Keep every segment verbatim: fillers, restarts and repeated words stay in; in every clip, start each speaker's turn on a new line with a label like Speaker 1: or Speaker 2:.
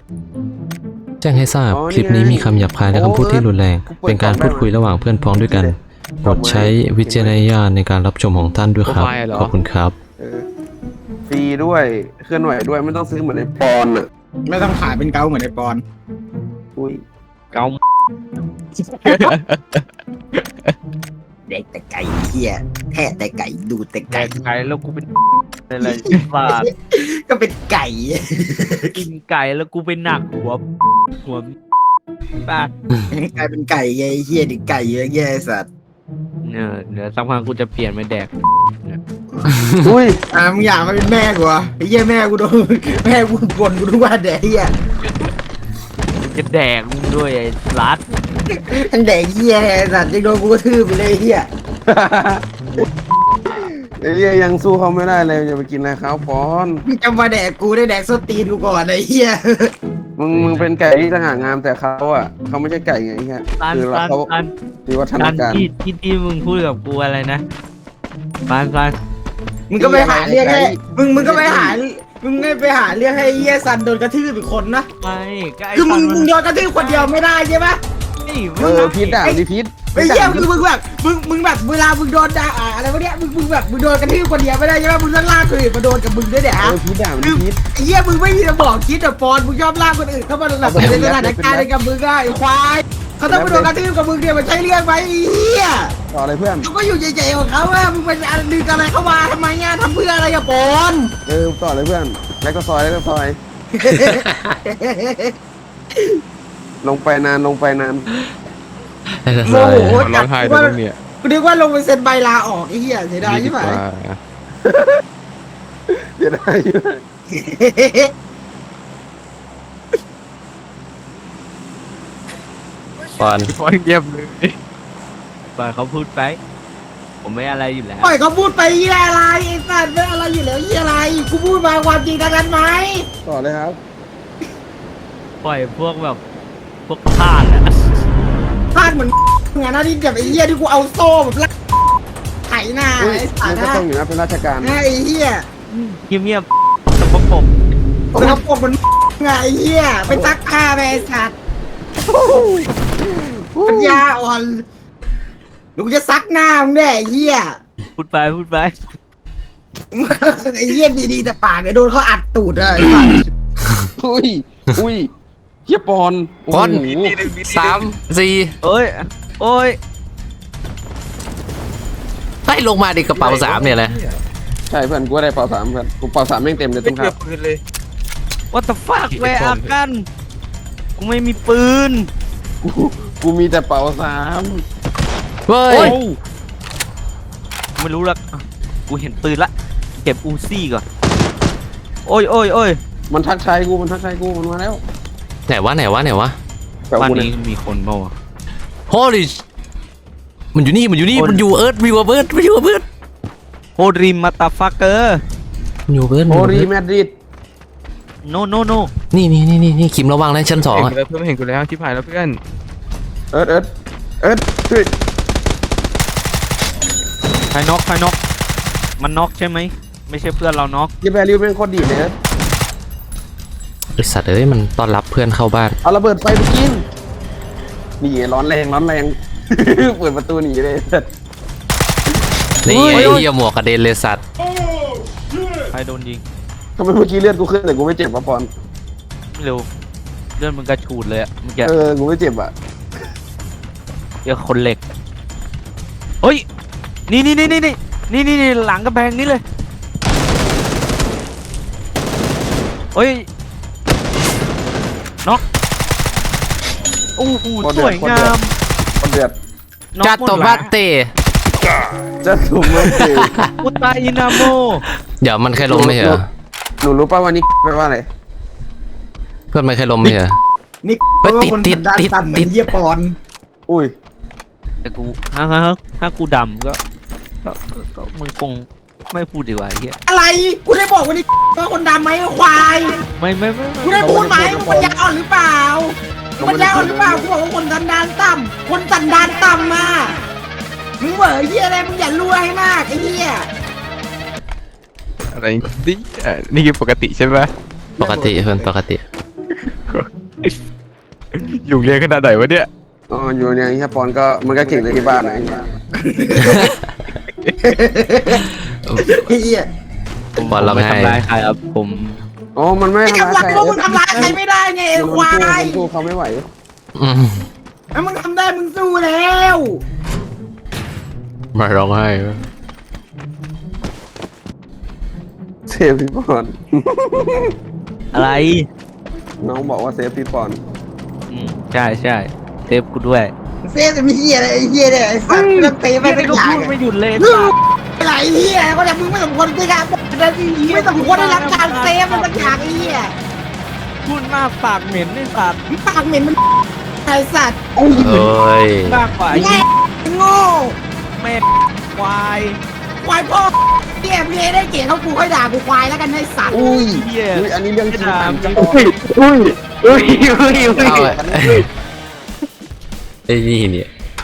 Speaker 1: แจ้งให้ทราบคลิปนี้มีคำหยาบคายและคำพูดที่รุนแรงเป็นการพูดคุยระหว่างเพื่อนพ้องด้วยกันโปรดใช้วิจารณญาณในการรับชมของท่านด้วยครับขอบคุณครับ
Speaker 2: ฟรีด้วยเคลื่อนไหวด้วยไม่ต้องซื้อเหมือนในปอนอ่ะ
Speaker 3: ไม่ต้องขายเป็นเกาเหมือนในปอน
Speaker 2: อุ้ย
Speaker 4: เกา
Speaker 3: เด็กแต่ไก่เหี้ยแทะแต่ไก่ดูแต่ไก่
Speaker 4: ไก่แล้วกูเป็นอะไรบาด
Speaker 3: ก็เป็นไก่
Speaker 4: กินไก่แล้วกูเป็นหนักหัวหัวบาด
Speaker 3: กลายเป็นไก่ไงเหี้ยดิไก่เยอะแยะสัตว์
Speaker 4: เนี่ยเดี๋ยวสักพักกูจะเปลี่ยนไปแดก
Speaker 3: อุ้ยอ่ะมึงอยากมาเป็นแม่กูอ่ะไอ้เหี้ยแม่กูโดนแม่กูบ่นกูทุกวันแดกเหี้ย
Speaker 4: จะแดกมึงด้วยไอ้รัด
Speaker 3: ทั้งแดกเหี้ยสัตว์ยังโดนกูกระทืบไปเลยเหี้ย
Speaker 2: ไอ้เหี้ยยังสู้เขาไม่ได้เลยจะไปกินอะไรเขาปอน
Speaker 3: มึงจะมาแดกกูได้แดกส้นตีนกูก่อนไอ้เหี้ย
Speaker 2: มึงมึงเป็นไก่ที่ต่างหากงามแต่เขาอ่ะเขาไม่ใช่ไก่ไงเงี้ย
Speaker 4: คือเขา
Speaker 2: คือวัฒนการ
Speaker 4: ที่ที่ที่มึงพูดกับกูอะไรนะปานปาน
Speaker 3: มึงก็ไปหาเรื่องให้มึงมึงก็ไปหามึงไม่ไปหาเรื่องให้เหี้ยซันโดนกระทืบอีกคนนะ
Speaker 4: ไม่
Speaker 3: คือมึงมึงโดนกระทืบคนเดียวไม่ได้ใช่ไหม
Speaker 2: เออพิษอ่ะมีพิษ
Speaker 3: ไอ้เหี้ยคือมึงแบบมึงมึงแบบเวลามึงโดนด่าอะไรวะเนี่ยมึงมึงแบบมึงโดนกระทืบคนเดียวไม่ได้ใช่ไหมมึงต้องลากคนอื่นมาโดนกับมึงด้วยเนี่ยฮะ
Speaker 2: พิษอ่ะมีพิษ
Speaker 3: ไอ้เหี้ยมึงไม่มีสมองคิดแต่ปอนมึงชอบลากคนอื่นเข้ามาแบบในสถานการณ์ในกับมึงได้ไอ้ควายเขาต้องมาโดนกระทืบกับมึงเนี่ยมันใช่เรื่องไหมไอ้เหี้ย
Speaker 2: ต่ออะไรเพื่อน
Speaker 3: เขาก็อยู่เฉยๆของเขาอะมึงเป็นอะไรดึงอะไรเข้ามาทำไมเนี่ยทำเพื่ออะไรกับปอน
Speaker 2: เออต่อเลยเพื่อนแล้วก็ซอยแล้วก็ซอยลงไปนานลงไปนาน
Speaker 3: โมโหร้องไห้ตรงนี้กูนึกว่าลงไปเซ็นใบลาออกไอ้เหี้ยเสียดายใช่ไหม
Speaker 2: เสียดาย
Speaker 1: ปอน
Speaker 4: ปอนเงียบเลยปอนเขาพูดไปผมไม่อะไรอยู่แล้ว
Speaker 3: ปล่อยเขาพูดไปยี่อะไรไอ้สัตว์ไม่อะไรอยู่แล้วยี่อะไรกูพูดมาความจริงทางนั้นไหม
Speaker 2: ต่อเลยครับ
Speaker 4: ปล่อยพวกแบบพวกพลาดอะ
Speaker 3: พลาดเหมือนงานที่แบบไอ้เหี้ยที่กูเอาโซ่แบบลักไถหน้าไอ้สัตว์
Speaker 2: นะต้องอยู่นะเป็นราชการ
Speaker 3: ไอ้เหี้ย
Speaker 4: เงียบๆสกปรก
Speaker 3: สกปรกมันไงไอ้เหี้ยไปซักผ้าไปไอ้สัตว์ปัญญาอ่อนลูกจะซักหน้ามึงแน่ไอ้เหี้ย
Speaker 4: พูดไปพูดไป
Speaker 3: ไอ้เหี้ยดีๆแต่ปากเนี่ยโดนเขาอัดตูดเลย
Speaker 2: อุ้ยอุ้ยเฮียปอน
Speaker 1: ปอนสามสี่
Speaker 4: โอ้ยโอ้ย
Speaker 1: ให้ลงมาดิกระเป๋าสามเนี่ยแหละ
Speaker 2: ใช่เพื่อนกูได้กระเป๋าสามเพื่อนกูกระเป๋าสามแม่งเต็มเลยตุ้งครับ
Speaker 4: เลย What the fuck แวร์อากันกูไม่มีปืน
Speaker 2: กูกูมีแต่เป๋าสาม
Speaker 1: เฮ้ย
Speaker 4: ไม่รู้ละกูเห็นปืนละเก็บอูซี่ก่อนโอ้ยโอ้ยโอ้ย
Speaker 2: มันทักทายกูมันทักทายกูมันมาแล้ว
Speaker 1: ไหนวะไหนวะไหนวะ
Speaker 4: บ้านนี้มีคนเปล่าวะ
Speaker 1: โฮลิชมันอยู่นี่มันอยู่นี่มันอยู่เอิร์ธวิวเบิร์ดมันอยู่เบิร์ด
Speaker 4: โฮริมาตาฟักเกอร์
Speaker 1: อยู่เบิร์ด
Speaker 2: โฮริมาดริด
Speaker 4: โนโนโน
Speaker 1: นี่นี่นี่นี่นี่คิมระวังนะชั้นสอง
Speaker 4: อ่ะเพื่อนเห็นกูแล้วชิบหายแล้วเพื่อน
Speaker 2: เอิร์ธเอิร์ธเอิร์ธช่วย
Speaker 4: ใครน็อกใครน็อกมันน็อกใช่ไหมไม่ใช่เพื่อนเราน็อก
Speaker 2: ยี่แบริวเป็นคนดีเลยเอิร์ธ
Speaker 1: ไอสัตว์เอ้ยมันต้อนรับเพื่อนเข้าบ้าน
Speaker 2: เอาระเบิดไฟไปกินนี่ร้อนแรงร้อนแรงเปิดประตูหนีเลย
Speaker 1: นี่ไอ้เหี้ยหมวกกระเด็นเลยสัตว์
Speaker 4: ใครโดนยิง
Speaker 2: ทำไมเมื่อกี้เลือดกูขึ้นแต่กูไม่เจ็บวะปอน
Speaker 4: ไม่รู้เลือดมึงกระฉูดเลยอะเมื่อกี้
Speaker 2: เออกูไม่เจ็บอะ
Speaker 4: เดี๋ยวคนเหล็กเฮ้ยนี่นี่นี่นี่นี่นี่นี่หลังกระแพงนี้เลยเฮ้ยน็อกโอ้โหสวยงาม
Speaker 2: คนเดือด
Speaker 1: จัดตัวบัตเต
Speaker 2: จัดตัวบัตเต
Speaker 4: อุตาอินาโม
Speaker 1: เดี๋ยวมันเคยลงไหมเหรอ
Speaker 2: หนูรู้ป่ะวันนี้แปลว่าอะไร
Speaker 1: เพื่อนมันเคยลงไหมเหรอ
Speaker 3: นี่เพราะว่าคนติดติดติดเยี่ยปอน
Speaker 2: อุ้ย
Speaker 4: แต่กูถ้าถ้ากูดำก็ก็มึงคงไม่พูดดีกว่าเฮีย
Speaker 3: อะไรกูได้บอกวันนี้ว่าคนดำไหมควาย
Speaker 4: ไม่ไม่ไม่
Speaker 3: กูได้พูดไหมคนยาอ่อนหรือเปล่าคนยาอ่อนหรือเปล่ากูบอกว่าคนสันดานต่ำคนสันดานต่ำมามึงเหวอเฮียอะไรมึงอย่ารวยให้มากไอ้เฮีย
Speaker 4: อะไรนี่นี่คือปกติใช่ไหม
Speaker 1: ปกติเพื่อนปกติ
Speaker 4: อยู่เรียนขนาดไหนวะเนี่ย
Speaker 2: อ๋ออยู่เนี่ยไอ้เหี้ยปอนก็มันก็เก่งในที่บ้านนะไอ้เหี้ย
Speaker 3: เฮีย
Speaker 4: ผม
Speaker 1: บอลเรา
Speaker 4: ไม่
Speaker 1: ไม่ให้
Speaker 4: ทำร้ายใครครับผม
Speaker 2: อ๋อมันไม่
Speaker 3: ไม่
Speaker 2: ทำ
Speaker 3: ทำ
Speaker 2: ร้าย
Speaker 3: ร้าย
Speaker 2: ใคร
Speaker 3: พวกมึงทำร้ายใครไม่ได้ไงไอ้ควาย
Speaker 2: มันสู้เขาไม่ไหว
Speaker 1: อืม
Speaker 3: ถ้ามึงทำได้มึงสู้แล้ว
Speaker 1: ไม่ร้องไห้
Speaker 2: เซฟพี่ปอน
Speaker 4: อะไร
Speaker 2: น้องบอกว่าเซฟพี่ปอน
Speaker 4: อืมใช่ใช่เซฟกูด้วย
Speaker 3: เซ่จะมีเฮียอะไรไอ้เฮียเนี่ยไอ้สัตว์เรื่องเตะไป
Speaker 4: ไม่
Speaker 3: เป็น
Speaker 4: ก็
Speaker 3: อย่าง
Speaker 4: พูดไม่หยุดเลย
Speaker 3: ลูกอะไรเฮียก็แต่มึงไม่สมควรที่จะไม่สมควรได้รับการเซฟมันสักอย่างไอ้เฮีย
Speaker 4: พูดมากปากเหม็นไอ้สัตว์
Speaker 3: มึงปากเหม็นมันไอ้สัตว์
Speaker 1: เอ้ย
Speaker 4: มากกว่าไอ้
Speaker 3: แง่โง่
Speaker 4: แม่ควาย
Speaker 3: ควายพ่อเฮียพี่ได้เกียรติเขากูค่อยด่ากูควายแล้วกันไอ้สัตว์
Speaker 2: อุ้ย
Speaker 4: เหี้ย
Speaker 2: อุ้ยอันนี้เรื่องจริง
Speaker 4: ด่า
Speaker 2: จัง
Speaker 4: อุ้ยอุ้ยอุ้ยอุ้ยอุ้ย
Speaker 1: เอาอะไอ้นี่เนี่ย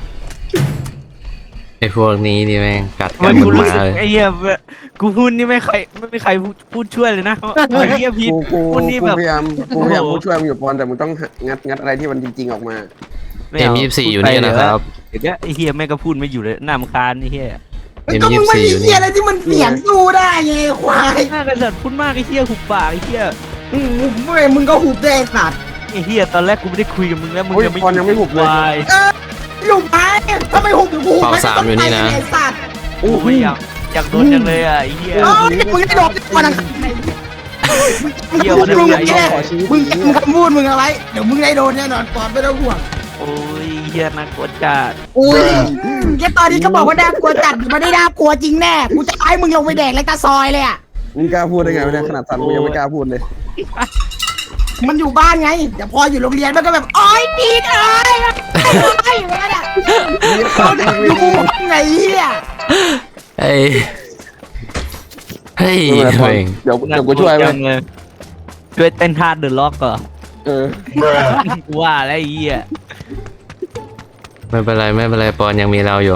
Speaker 1: ไอ้พวกนี้นี่แม่งกัดกั
Speaker 4: มัน น
Speaker 1: เห
Speaker 4: กู
Speaker 1: มือนห
Speaker 4: รู้
Speaker 1: มา
Speaker 4: สึก
Speaker 1: เลย
Speaker 4: ไอ้เหี้ยกูพูดนี่ไม่ใครไม่มีใครพูดช่วยเลยนะไอ้เหี้ยพีท
Speaker 2: กูกู
Speaker 4: พูดนี่
Speaker 2: กู
Speaker 4: แบบ
Speaker 2: พยายามกูพยายาม
Speaker 4: โอ้โห
Speaker 2: พูดช่วยมึงอยู่ปอนแต่มึงต้องงัดงัดอะไรที่มันจริงๆออกมา
Speaker 1: เอ็มยี่สิบสี่อยู่นี่นะครับ
Speaker 4: เดี๋ยวไอ้เหี้ยแม่งก็พูดไม่อยู่เลยน่ารำคาญไอ้เหี้ย
Speaker 1: เอ็ม
Speaker 3: ก็
Speaker 1: ยี่
Speaker 3: มึ
Speaker 1: สิ
Speaker 3: ง
Speaker 1: บ
Speaker 3: ไม่
Speaker 1: สี่
Speaker 3: มี
Speaker 1: อยู่
Speaker 3: เฮี
Speaker 1: นี่
Speaker 3: ยอะไรที่มันเสียงสู้ได้ไงควาย
Speaker 4: หน้ากระสัดพูดมากไอ้เหี้ยหุบปากไอ้เหี้ย
Speaker 3: อืมมึงมึงก็หุบได้ไอ้สัตว์
Speaker 4: ไอ้เหี้ยตอนแรกกูไม่ได้คุยกับมึงแล้วมึง
Speaker 2: โอ้ย
Speaker 4: ยังไม่
Speaker 2: ปอนยังไม่หุบเลย
Speaker 4: วาย
Speaker 3: หลุมไปถ้าไม่หุบเดี๋ยวกูหุบไม่ต้องไปไอ้สัตว์
Speaker 4: โอ้ยอยากอยากโดนจังเลยอ่ะไอ้เหี้ย
Speaker 3: เออมึงได้โดนก่อนนะ
Speaker 4: เหี้ย
Speaker 3: มึ
Speaker 4: วั
Speaker 3: ง
Speaker 4: นนั้น
Speaker 3: มึง
Speaker 4: ไอ้
Speaker 3: แค่
Speaker 4: เหี้ย
Speaker 3: มึงมึงคำพูดมึงเอาไว้เดี๋ยวมึงได้โดนแน่นอนก่อนไม่ต้องห่วง
Speaker 4: โอ้ยเหี้ยน่ากลัวจัด
Speaker 3: อุ้ยแค่ตอนนี้ก็บอกว่าน่ากลัวจัดมันไม่ได้น่ากลัวจริงแน่กูจะให้มึงลงไปแดกเลยตาซอยเลยอ่ะ
Speaker 2: มึงกล้าพูดได้ไงวะเนี่ยขนาดสันกูยังไม่กล้าพูดเลย
Speaker 3: มันอยู่บ้านไงแต่พออยู่โรงเรียนมันก็แบบโอ๊ยปีดเอ้ยไอ้อย่างเงี้ยเขาจะดูไงเฮีย
Speaker 1: เฮ้ยเฮ้ย
Speaker 2: ไม่เป็นไรปอน
Speaker 1: เอง
Speaker 2: เดี๋ยวเดี๋ยวกูช่วยไหม
Speaker 4: จังเลยช่วยเต้นท่าเดอะล็อกก่อน
Speaker 2: เออ
Speaker 4: กูว่าแล้วไอ้เหี้ย
Speaker 1: ไม่เป็นไรไม่เป็นไรปอนยังมีเราอยู่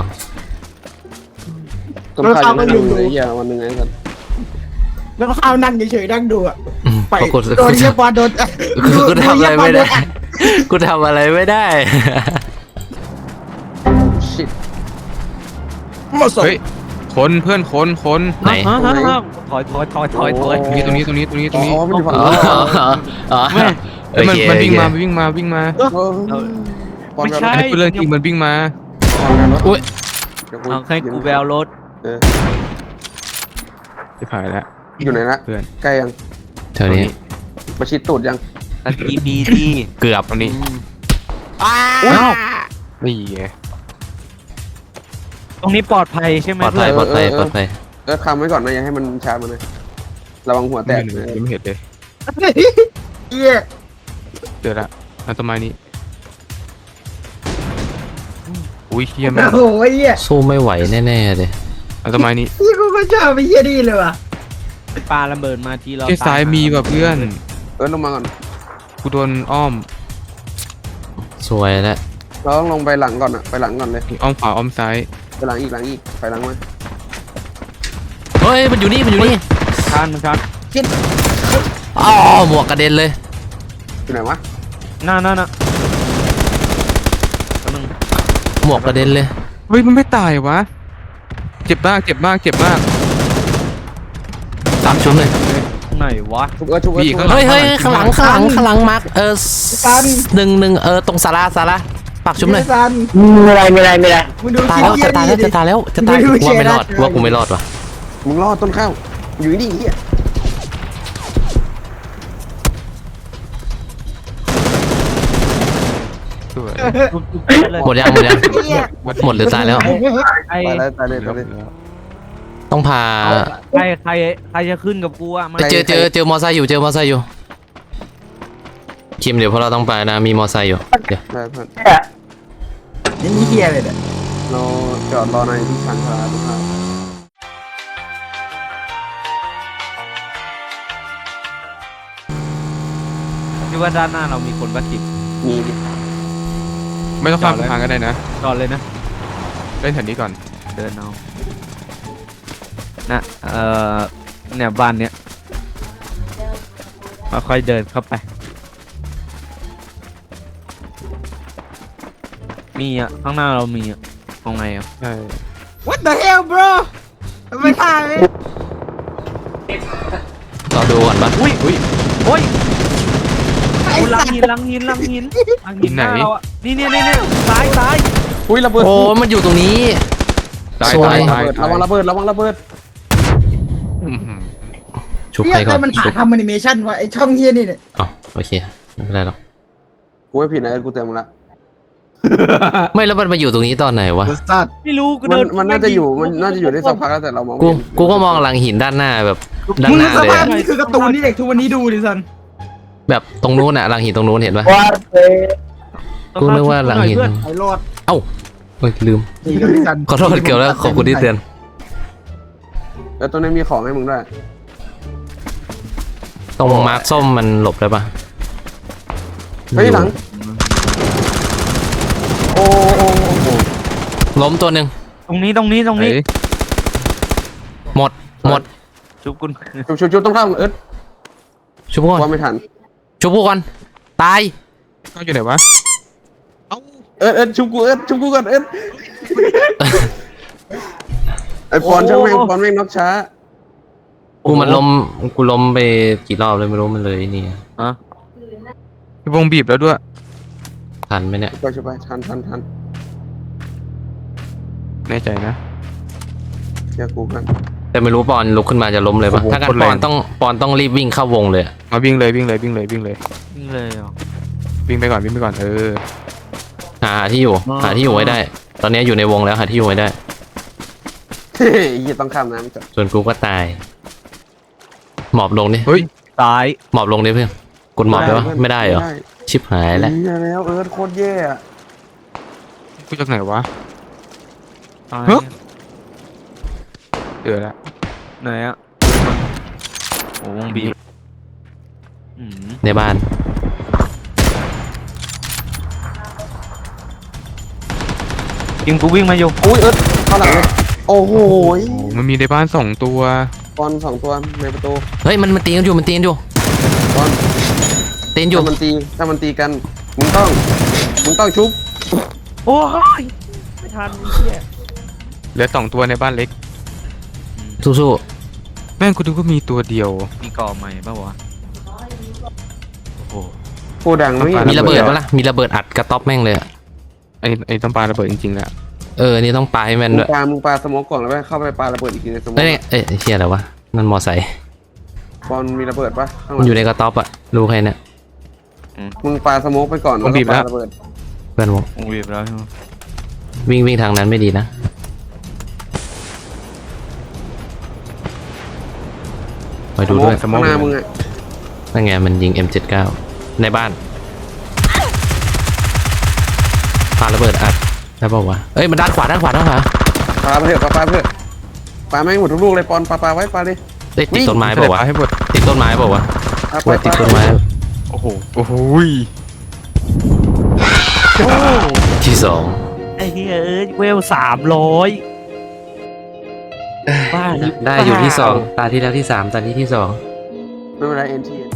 Speaker 2: ต้นข้าวยังไม่ดูเลยเหี้ยวันหนึ่งไอ้สัน
Speaker 3: แล้วก็เข้านั่งเฉยๆนั่งดูอ่ะ
Speaker 1: อืม
Speaker 3: ไป
Speaker 1: เพราะกู
Speaker 3: โดนเฮียบอลโดน
Speaker 1: กูกูทำอะไรไม่ได้ กูทำอะไรไม่ได้
Speaker 2: ชิต
Speaker 3: มาส่ง
Speaker 5: เฮ้ยคนเพื่อนคนคน
Speaker 1: ไหน
Speaker 4: ฮะฮะฮะถอยถอยถอยถอยถอย
Speaker 5: ตรงนี้ตรงนี้ตรงนี้ตรงนี้ตร
Speaker 2: อ๋
Speaker 5: งนี้
Speaker 2: อมันอยู่ฝั่ง
Speaker 1: อ๋อ
Speaker 2: นู้น
Speaker 1: อ๋ออ๋อ
Speaker 4: แม่
Speaker 5: เอ้ยมัน
Speaker 1: โอเค
Speaker 5: มันวิ่งมา
Speaker 1: โอเค
Speaker 5: วิ่งมาวิ่งมา
Speaker 2: เออปอน
Speaker 4: ไม่
Speaker 2: แบบ
Speaker 4: ใช่
Speaker 5: อันนี้เป็นเรื่องจริงมันวิ่งมา
Speaker 2: ปอนแบบรถ
Speaker 1: อุ้ย
Speaker 2: เดี๋ยว
Speaker 4: เอาให้กูแววรถ
Speaker 2: เออ
Speaker 5: จะผ่านแล้ว
Speaker 2: อยู่ไหนละ
Speaker 5: เพื่อน
Speaker 2: ใกล้ยัง
Speaker 1: แถวนี้
Speaker 2: ประชิดตูดยัง
Speaker 4: ตะกี้บีที่
Speaker 1: เกือบ
Speaker 5: ตรงนี้
Speaker 3: อ้า
Speaker 5: นี่ไง
Speaker 4: ตรงนี้ปลอดภัยใช่ไหม
Speaker 1: ปลอดภัยปลอดภัยปลอดภัย
Speaker 2: เออคำไว้ก่อนนะอย่าให้มันชาร์จมันนะระวังหัวแต
Speaker 5: แต
Speaker 2: ก
Speaker 5: ก
Speaker 2: นะ
Speaker 5: ยังไม่เห็นเลย
Speaker 3: เฮีย
Speaker 5: เจอละอันต้นไม้นี้อุ้ยเฮียแม่ง
Speaker 3: โอ้โหเฮีย
Speaker 1: สู้ไม่ไหวแน่ๆเลย
Speaker 5: อันต้นไม้นี้
Speaker 3: พี่กูก็ชอบไปเฮียดีเลยว่ะ
Speaker 4: ปาระเบิดมาทีเรา
Speaker 5: ที่ซ้ายมีว่ะเพื่อน
Speaker 2: เออลงมาก่อน
Speaker 5: กูโดนอ้อม
Speaker 1: สวยแล้ว
Speaker 2: เราต้องลงไปหลังก่อนอะไปหลังก่อนเลย
Speaker 5: อ้อมขวาอ้อมซ้าย
Speaker 2: ไปหลังอีกหลังอีกไปหลังมา
Speaker 1: เฮ้ยมันอยู่นี่มันอยู่นี่
Speaker 4: ทานมันครับ
Speaker 1: อ๋อหมวกกระเด็นเลย
Speaker 2: อยู่ไหนวะ
Speaker 4: น่าน่าน่าแป๊บนึง
Speaker 1: หมวกกระเด็นเลย
Speaker 5: เฮ้ยมันไม่ตายวะเจ็บมากเจ็บมากเจ็บมาก
Speaker 1: สามชุดเลย
Speaker 4: ไหนวะ
Speaker 2: ชุบเออชุบเออ
Speaker 5: มีอีก
Speaker 2: ชุบ
Speaker 5: ข้างหลั
Speaker 1: เฮ้ยเฮ้ยข้างหลังข้างหลังข้างหลังมาร์คเออหนึ่งหนึ่งเออตรงศาลาศาลาปากชุบเลย
Speaker 3: ซัน
Speaker 4: ไม่ไรไม่ไรไม่ไร
Speaker 3: มึงดู
Speaker 1: ตายแล้วจะตายแล้วจะตายแล้วจะตายกูว่าไม่รอดกูว่ากูไม่รอดว่ะ
Speaker 2: มึงรอดต้นข้าวอยู่นี่เฮีย
Speaker 5: สวย
Speaker 1: หมดยังหมดยังหมดหรือตายแล้ว
Speaker 4: ใคร
Speaker 2: ตายแล้วตายเลยตายเลย
Speaker 1: ต้องพา
Speaker 4: ใครใครใครจะขึ้นกับกูอ่ะมา
Speaker 1: เจอเจอเจอมอไซค์อยู่เจอมอไซค์อยู่คิมเดี๋ยวพวกเราต้องไปนะมีมอไซค์อยู่เดี๋ยว
Speaker 2: ได้เพื่อน
Speaker 3: นี่เฮียเลยเนี่ย
Speaker 2: เราจอดรอในที่ชันชาลาต้นข้าว
Speaker 4: คิดว่าด้านหน้าเรามีคนประกิบ
Speaker 2: มีดิ
Speaker 5: ไม่ต้องข้ามสะพานก็ได้นะ
Speaker 4: จอดเลยนะ
Speaker 5: เล่นแถวนี้ก่อน
Speaker 4: เดินเอานะเอ่อเนี่ยบ้านเนี้ยค่อยๆเดินเข้าไปมีอ่ะข้างหน้าเรามีอ่ะเอาไงอ่ะ
Speaker 5: ใช่
Speaker 3: What the hell bro ไม่ตายเลย
Speaker 1: เราดูก่อนปะ
Speaker 4: อุ้ยอุ้ยโอ้ย
Speaker 3: ไอ้
Speaker 4: โอ้ลั
Speaker 3: สั
Speaker 4: ง
Speaker 3: ตว์
Speaker 4: หินลังหินลังหินลังหินหน้าเราอ่ะนี่เนี่ยเนี่ยเนี่ยซ้ายซ้าย
Speaker 2: อุ้ยระเบิด
Speaker 1: โอ้มันอยู่ตรงนี้
Speaker 5: ตาย
Speaker 1: สวย
Speaker 5: ตาย
Speaker 2: ระ
Speaker 5: ตาย
Speaker 2: วังระเบิดระวังระเบิด
Speaker 5: อื้อหือ
Speaker 1: ชุบ
Speaker 3: เฮี
Speaker 1: ใคร
Speaker 3: ย
Speaker 1: ก่
Speaker 3: แต่
Speaker 1: อน
Speaker 3: มันหา
Speaker 1: ชุบ
Speaker 3: ทำแอนิเมชันวะไอช่องเฮียนี่เนี่ย
Speaker 1: อ๋อโอเคไม่เป็นไรหรอก
Speaker 2: กูไม่ผิดนะเอิร์ธกูเตือนมึงละ
Speaker 1: ไม่แล้วมันมาอยู่ตรงนี้ตอนไหนวะ
Speaker 3: สัตว์
Speaker 4: ไม่รู้กู
Speaker 2: มั
Speaker 4: เดิ
Speaker 2: น
Speaker 4: น
Speaker 2: มันน่าจะอยู่มันน่าจะอยู่ได้สักพักแล้วแต่เรามองไม่
Speaker 1: กู
Speaker 2: เห็น
Speaker 1: กูก็มองหลังหินด้านหน้าแบบด้าน
Speaker 3: มึง
Speaker 1: ห
Speaker 3: นึ
Speaker 1: น้าก
Speaker 3: ส
Speaker 1: เลย
Speaker 3: ภาพ
Speaker 1: อะ
Speaker 3: นี่คือการ์ตูนที่เด็กทุกวันนี้ดูดิสัน
Speaker 1: แบบตรงนู้นอะหลังหินตรงนู้นเห็นปะกูนึกว่าหลังหิน
Speaker 3: ไอ้รอด
Speaker 1: เอ้าเฮ้ยลืม
Speaker 3: นี่กับพี่สัน
Speaker 1: ขอโทษเกี่ยวแล้วขอบคุณที่เตือน
Speaker 2: แล้วตัวนี้มีของให้มึงด้วย
Speaker 1: ตรงมาร์คส้มมันหลบได้ปะ
Speaker 2: เฮ้ยหลังโอ้โอ้โอ้โอ้
Speaker 1: ล้มตัวหนึ่ง
Speaker 4: ตรงนี้ตรงนี้ตรงนี้
Speaker 5: ไหน
Speaker 1: หมดหมด
Speaker 4: ชุบคุณ
Speaker 2: ชุบชุบชุบต้องเข้าเอิร์ธ
Speaker 1: ชุบก่อน
Speaker 2: ว่าไม่ทัน
Speaker 1: ชุบกูก่อนตาย
Speaker 5: เขาอยู่ไหนวะ
Speaker 2: เอิร์ธเอิร์ธชุบกูเอิร์ธชุบกูก่อนเอิร์ธไอปอนช่างแม่งปอนแม่งน็อกช้า
Speaker 1: กูมันล้มกูล้มไปกี่รอบเลยไม่รู้มันเลยนี่
Speaker 4: อ่ะ
Speaker 5: วงบีบแล้วด้วย
Speaker 1: ทันไหมเนี่ย
Speaker 2: ไปช่วยไปทันทันทัน
Speaker 5: แน่ใจนะ
Speaker 2: เชื่อกูกัน
Speaker 1: แต่ไม่รู้ปอนลุกขึ้นมาจะล้มเลยปะ
Speaker 5: โอ้โห
Speaker 1: ถ้ากัน
Speaker 5: โคตร
Speaker 1: ป
Speaker 5: แรง
Speaker 1: อนต้องปอนต้องรีบวิ่งเข้าวงเลยอะ
Speaker 5: มาวิ่งเลยวิ่งเลยวิ่งเลยวิ่งเลย
Speaker 4: นี่เลยเหรอ
Speaker 5: วิ่งไปก่อนวิ่งไปก่อนเออ
Speaker 1: หาที่อยู่
Speaker 4: อ๋อ
Speaker 1: หาที่อยู่ไว้ได้ ตอนนี้อยู่ในวงแล้วหาที่อยู่ไว้ได้
Speaker 2: เฮ้ยยี่ต้องข้ามน้ำจ้ะ
Speaker 1: ส่วนกูก็ตาย หมอบลงดิ
Speaker 5: เฮ้ย
Speaker 4: ตาย
Speaker 1: หมอบลงดิเพื่อนกดหมอบได้ปะไม่ได้เหรอชิบหายแล้ว
Speaker 2: เหี้ยแล้วเอิร์ธโคตรแย่อะ
Speaker 5: กูจากไหนวะ
Speaker 4: ตาย
Speaker 5: เฮ้ย เจอแล้ว
Speaker 4: ไหนอ่ะโอ้วงบีบอืม
Speaker 1: ในบ้าน
Speaker 4: ยิงกูวิ่งมาอยู่
Speaker 2: อุ้ยเอิร์ธเข้าหลังเลยโอ้โห
Speaker 5: โอ้มันมีในบ้านสองตัว
Speaker 2: ปอนสองตัวในประตู
Speaker 1: เฮ้ยมันมันตีกันอยู่มันตีกันอยู่
Speaker 2: ปอน
Speaker 1: ตีกันอยู่
Speaker 2: ถ้ามันตีถ้ามันตีกันมึงต้องมึงต้องชุบ
Speaker 4: โอ้ยไม่ทันไอ้เหี้ย
Speaker 5: เหลือสองตัวในบ้านเล็ก
Speaker 1: สู้
Speaker 5: แม่งกูดูก็มีตัวเดียว
Speaker 4: มีก่อใหม่ป่าววะโอ้โห
Speaker 2: โคดังไม่
Speaker 1: ๆมีระเบิดปะล่ะมีระเบิดอัดกระต๊อบแม่งเลยอะ
Speaker 5: ไอ้ไอ้ต้องปาระเบิดจริงๆแหละ
Speaker 1: เออนี่ต้องปาให้แม่น
Speaker 2: มึง
Speaker 1: ด้วย
Speaker 2: ปามึงปาสโมกก่อนแล้วไปเข้าไปปาระเบิดอีกทีในสโมก
Speaker 1: เฮ้ยเอ้ยเฮียอะไรวะนั่นมอไซค์
Speaker 2: ปอนมีระเบิดปะข้างห
Speaker 1: มั
Speaker 2: ลั
Speaker 1: น
Speaker 2: ง
Speaker 1: อยู่ในกระต๊อบอะรู้ใครเนี่ย
Speaker 2: มึงปาสโมกไปก่อนแล้วก็ปาระเบิด
Speaker 1: เพื่อนผม
Speaker 4: วงบีบแล้วใช่ไหม
Speaker 1: วิ่งวิ่งทางนั้นไม่ดีนะไปดูด้วย
Speaker 2: ข้างหน้ามึงอะ
Speaker 1: นั่นไงมันยิง เอ็ม เจ็ดสิบเก้า ในบ้านปาระเบิดอัดได้ป่าววะเอ้ยมันด้านขวาด้านขวาด้านขวา
Speaker 2: ปาไปเถอะปาปาไปเถอะปาแม่งหมดทุกลูกเลยปอนปาปาไว้ปาดิ
Speaker 1: เอ้ยติด
Speaker 2: วิ่ง
Speaker 1: ต้นไม้
Speaker 5: ไม่
Speaker 1: เปล่าวะ
Speaker 5: ปาให้หมด
Speaker 1: ติดต้นไม้เปล่าวะ
Speaker 2: ปาไป
Speaker 1: ว่าติด
Speaker 2: ปา
Speaker 1: ต้นไม้
Speaker 5: โอ้โหโอ้โหย
Speaker 1: ที่สอง
Speaker 4: ไอ้เหี้ยเอ้ยเวลสามร้อยบ้าหรือเปล่า
Speaker 1: ได้อยู่ที่สองตาที่แล้วที่สามตานี้ที่สอง
Speaker 2: ไม่เป็นไรเอ็นที